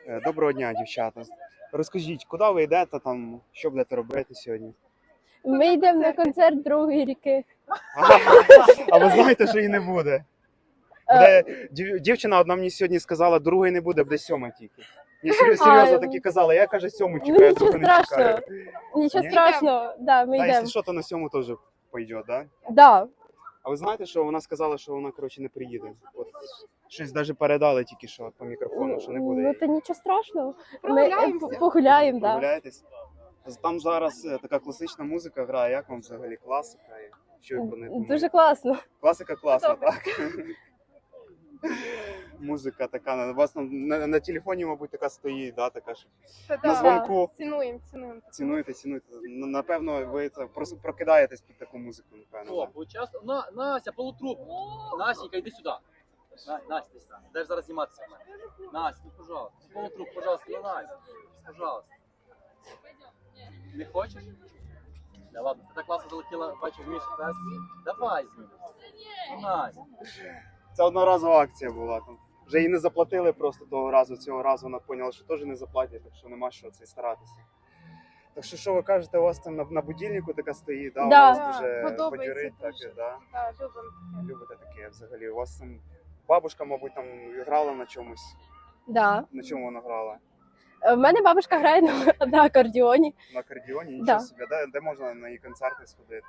Доброго дня, дівчата. Розкажіть, куди ви йдете там, що будете робити сьогодні? Ми йдемо на концерт Другої ріки. А ви знаєте, що її не буде? Дівчина одна мені сьогодні сказала, другої не буде, буде сьома тільки. Ні, серйозно таки казала, я каже сьому чекаю, Ну, другу нічого не страшного. чекаю. Нічого Ні? страшного, да, ми Та, йдемо. якщо що, то на сьому теж пойде, да? Да. А ви знаєте, що вона сказала, що вона, коротше, не приїде? От, щось навіть передали тільки що по мікрофону, що не буде. Ну, її. то нічого страшного. Ми Прогуляємося. погуляємо, да. Прогуляєтесь? Там зараз така класична музика грає, як вам взагалі класика? І що ви про неї думаєте? Дуже класно. Класика класна, Добре. так? Музика така, у вас на телефоні, мабуть, така стоїть, да, така ж. На дзвонку. Цінуємо. Цінуєте. Напевно, ви це просто прокидаєтесь під таку музику, напевно. О, Да? поучаствуй. Настя, полутруп. Настенька, иди сюда. Настя, иди сюда. Дай зараз зніматися. Настя, ну, пожалуйста. Полутруп, пожалуйста, ну, Настя. Пожалуйста. Не хочеш? Да ладно, ти так класно залетіла, бачив Мішу тест. Давай знімемо. Ну, Настя. Це одноразова акція була. Там. Вже її не заплатили просто того разу. Цього разу вона поняла, що теж не заплатять, так що нема що це старатися. Так що ви кажете, у вас там на будильнику така стоїть, да? Да. У вас дуже Подобається бадьорить, так, дуже. да? Так, любимо. Любите таке взагалі. У вас там бабушка, мабуть, там грала на чомусь. Да. На чому вона грала? В мене бабушка грає на акордіоні. На акордіоні? Нічого Да. собі. Де можна на її концерти сходити?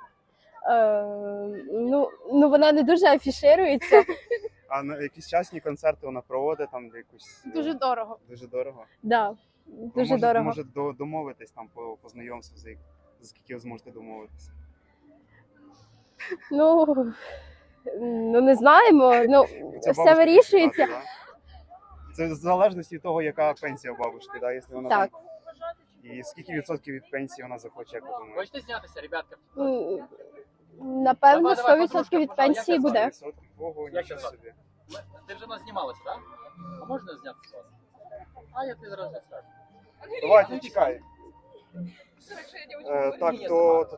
Ну, вона не дуже афіширується. А на якісь частні концерти вона проводить там де якусь Дуже дорого. дуже дорого. Да. Дуже дорого. Може домовитись там по знайомству, за скільки ви зможете домовитися. Ну, не знаємо. Ну, Це все бабушка вирішується. так, да? Це в залежності від того, яка пенсія у бабушки, да? Якщо вона Так. там. І скільки відсотків від пенсії вона захоче, як ви думаєте? Хочете знятися, ребятка? Напевно, Давай, 100% подружка, від пожалуйста, пенсії я буде. 100%? Ого, Як нічого це собі. Ти вже нас знімалася, так? А можна знятися з вас? А я тобі зараз не скажу. Давайте, чекай. Так, Ні,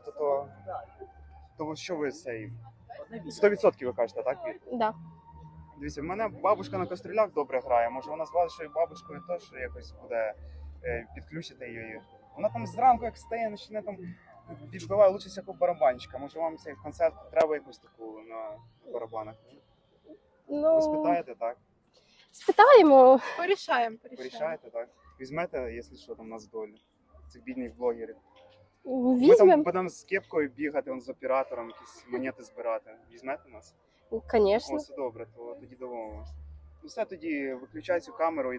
то що ви цей? Одне відео. 100% ви кажете, так? Вір? Да. Дивіться, в мене бабушка на кастрюлях добре грає. Може вона з вашою бабушкою теж якось буде підключити її. Вона там зранку, як стає, почне там відбиває лучше всякого барабанщика. Може вам цей концерт треба якусь таку на барабанах? Ви Ну, спитаєте, так? спитаємо. Порішаємо. Порішаєте, так? Візьмете, якщо що, там нас долю. Цих бідних блогерів. Ми там Візьмемо. будемо з кепкою бігати, з оператором, якісь монети збирати. Візьмете нас? Звісно. О, все добре, то тоді домовимося. Ну все, тоді виключай цю камеру.